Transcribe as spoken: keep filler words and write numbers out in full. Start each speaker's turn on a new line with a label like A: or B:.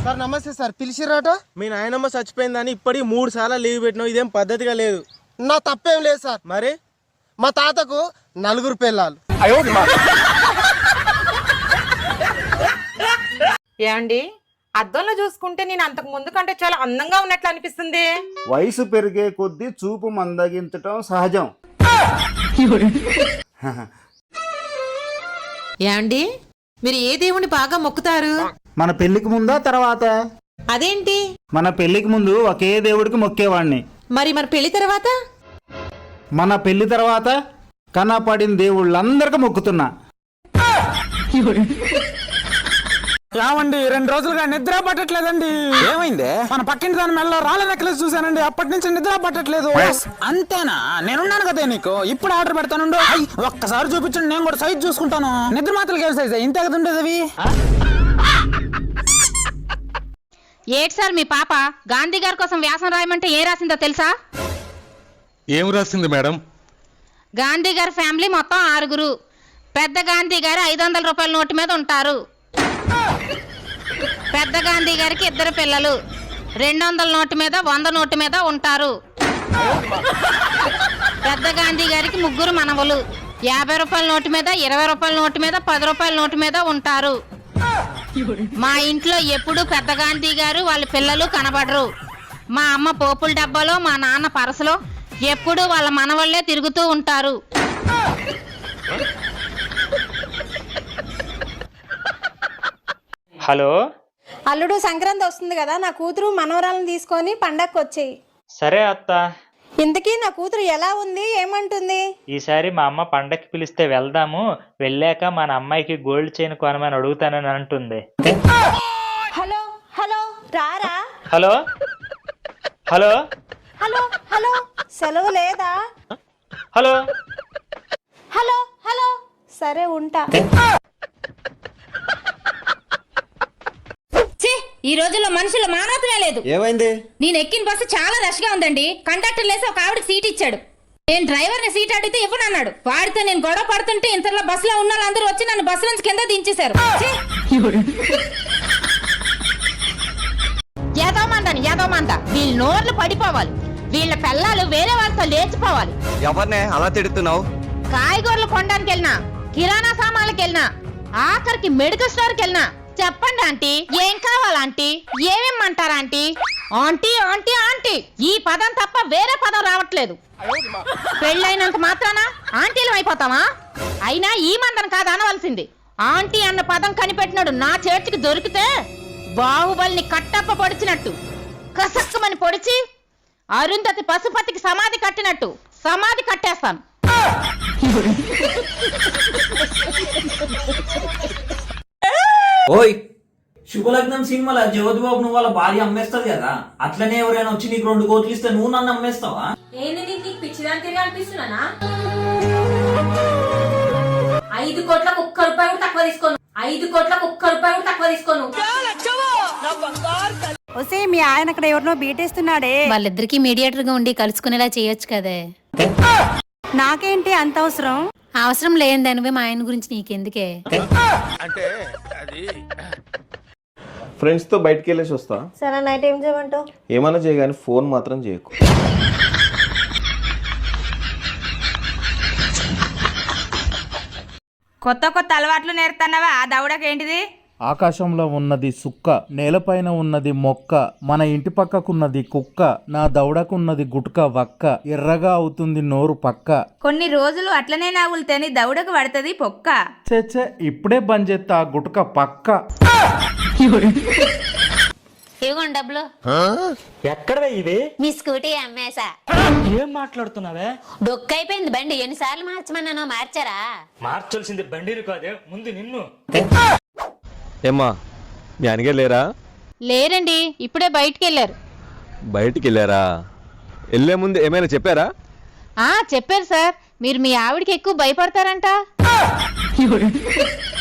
A: Sir నమస్తే sir, పిలిచిరాట?
B: మీ నాయనమ్మ చచ్చిపోయిందని ఇప్పటికి మూడు సార్లు లీవ్ పెట్టినావు, ఇదేం పద్ధతిగా లేదు.
A: నా తప్పేం లేదు సార్.
B: మరి
A: మా తాతకు నలుగురు పిల్లలు.
C: ఏమండి, అద్దంలో చూసుకుంటే నేను అంతకు ముందు కంటే చాలా అందంగా ఉన్నట్లు అనిపిస్తుంది.
D: వయసు పెరిగే కొద్దీ చూపు మందగించటం సహజం.
C: ఏమండి, మీరు ఏ దేవుని బాగా మొక్కుతారు?
D: మన పెళ్లికి ముందా తర్వాత?
C: అదేంటి?
D: మన పెళ్లికి ముందు ఒకే దేవుడికి మొక్కేవాడిని.
C: మరి మన పెళ్లి తర్వాత?
D: మన పెళ్లి తర్వాత కనపడిన దేవుళ్ళందరికీ మొక్కుతున్నా.
E: ఏమండి, రెండు రోజులుగా నిద్ర పట్టట్లేదండి.
F: ఏమైంది?
E: మన పక్కింటి దాని మెల్ల రాళ్ళ నెక్లెస్ చూసానండి, అప్పటి నుంచి నిద్ర పట్టట్లేదు. అంతేనా? నేనున్నాను కదా నీకు, ఇప్పుడు ఆర్డర్ పెడతానుండు. ఒక్కసారి చూపించండి, నేను కూడా సైజ్ చూసుకుంటాను. నిద్ర మాత్రలు ఏం సైజ్? ఇంతే కదా ఉండేది అవి.
G: ఏటి సార్, మీ పాప గాంధీ గారి కోసం వ్యాసం రాయమంటే ఏం రాసిందో తెలుసా?
F: ఏం రాసింది మేడం?
G: గాంధీ గారి ఫ్యామిలీ మొత్తం ఆరుగురు. పెద్ద గాంధీ గారు ఐదు వందల రూపాయల నోటు మీద ఉంటారు. పెద్ద గాంధీ గారికి ఇద్దరు పిల్లలు రెండు వందల నోటు మీద వంద నోటు మీద ఉంటారు. పెద్ద గాంధీ గారికి ముగ్గురు మనవలు యాభై రూపాయల నోటు మీద ఇరవై రూపాయల నోటు మీద పది రూపాయల నోటు మీద ఉంటారు. మా ఇంట్లో ఎప్పుడు పెద్ద గాంధీ గారు వాళ్ళ పిల్లలు కనబడరు. మా అమ్మ పోపుల డబ్బాలో, మా నాన్న పరసలో ఎప్పుడు వాళ్ళ మనవళ్లే తిరుగుతూ ఉంటారు.
H: హలో
I: అల్లుడు, సంక్రాంతి వస్తుంది కదా, నా కూతురు మనవరాలను తీసుకొని పండగకి వచ్చేయి.
H: సరే అత్త.
I: ఇంతకీ నా కూతురు ఎలా ఉంది, ఏమంటుంది?
H: ఈసారి మా అమ్మ పండగకి పిలిస్తే వెళ్దాము, వెళ్ళాక మన అమ్మాయికి గోల్డ్ చైన్ కొనమని అడుగుతానని అంటుంది.
I: హలో హలో రారా.
H: హలో హలో
I: హలో హలో సెలవు లేదా?
H: హలో
I: హలో హలో సరే ఉంటా.
G: ఈ రోజుల్లో మనుషుల మానవతమే లేదు.
F: ఏమైంది?
G: నేను ఎక్కిన బస్సు చాలా రష్ గా ఉందండి. కండక్టర్ లేసి ఒక ఆవిడకి సీట్ ఇచ్చాడు. నేను డ్రైవర్ ని సీట్ అడిగితే ఇవ్వనన్నాడు. వాడితో నేను గొడవ పడుతుంటే ఇంతలో బస్సులో ఉన్న వాళ్ళందరూ వచ్చి నన్ను బస్సు నుంచి కింద దించేశారు. యాదవమందని యాదవమంద, వీళ్ళ నోర్లు పడిపోవాలి. వీళ్ళ పిల్లలు వేరే వాళ్ళతో లేచిపోవాలి.
F: ఎవరినే అలా తిడుతున్నావు?
G: కాయగూరలు కొనడానికి వెళ్ళినా, కిరాణా సామాన్లకు వెళ్ళినా, ఆఖరికి మెడికల్ స్టోర్కి వెళ్ళినా చెప్పండి ఆంటీ, ఏం కావాలంటీ, ఏమేమంటారా ఆంటీ, ఆంటీ ఆంటీ ఆంటీ ఈ పదం తప్ప వేరే పదం రావట్లేదు. పెళ్ళైనంత మాత్రాన ఆంటీలు అయిపోతామా? అయినా ఈ మందం కాదు అనవలసింది. ఆంటీ అన్న పదం కనిపెట్టినాడు నా చేతికి దొరికితే బాహుబలిని కట్టప్ప పొడిచినట్టు కసక్కమని పొడిచి అరుంధతి పశుపతికి సమాధి కట్టినట్టు సమాధి కట్టేస్తాను.
J: ఓయ్, శుభలగ్నం సినిమాలో జ్యోతి బాబు నువ్వు వాళ్ళ భార్య అమ్మేస్తుంది కదా, అట్లనే ఎవరైనా వచ్చి నీకు రెండు కోట్లు ఇస్తే నువ్వు నన్ను అమ్మేస్తావా?
G: ఐదు కోట్లకు ఒక్క రూపాయి కూడా తక్కువ తీసుకోను. ఐదు కోట్లకు ఒక్క రూపాయి కూడా తక్కువ తీసుకోను.
I: ఒసే, మీ ఆయన అక్కడ ఎవరినో బీటేస్తున్నాడే.
G: వాళ్ళిద్దరికి మీడియేటర్ గా ఉండి కలుసుకునేలా చేయొచ్చు కదే.
I: నాకేంటి అంత అవసరం?
G: అవసరం లేని దానివే మా ఆయన గురించి నీకెందుకే?
B: అంటే అది
K: ఫ్రెండ్స్ తో బయటకు వెళ్ళేసి వస్తా.
I: సరే, నైట్ ఏం చేయమంటావు?
K: ఏమన్నా చేయగాని ఫోన్ మాత్రం చేయకు.
C: కొత్త కొత్త అలవాట్లు నేర్తున్నావా? ఆ దౌడకేంటిది?
D: ఆకాశంలో ఉన్నది సుక్క, నేలపైన ఉన్నది మొక్క, మన ఇంటి పక్కకున్నది కుక్క, నా దౌడకున్నది గుట్క వక్క, ఎర్రగా అవుతుంది నోరు పక్క.
C: కొన్ని రోజులు అట్లనే నాగులుతేని దౌడకు పడుతుంది పొక్క.
D: చే ఇప్పుడే బంద్ చేస్తా ఆ గుట్క పక్క.
G: ఇవ్వండి డబ్బులు.
E: ఎక్కడ ఇది?
G: మీ స్కూటీ అమ్మేసా.
E: ఏం మాట్లాడుతున్నావే?
G: డొక్కైపోయింది బండి. ఎన్నిసార్లు మార్చమన్నానో మార్చారా?
E: మార్చాల్సింది బండిని కాదే, ముందు నిన్ను.
F: ఏమ్మా, మీ అనగా లేరా?
G: లేరండి, ఇప్పుడే బయటికి వెళ్ళారు.
F: బయటికి వెళ్ళారా? వెళ్ళే ముందు ఏమైనా చెప్పారా?
G: ఆ చెప్పారు సార్, మీరు మీ ఆవిడకి ఎక్కువ భయపడతారంట.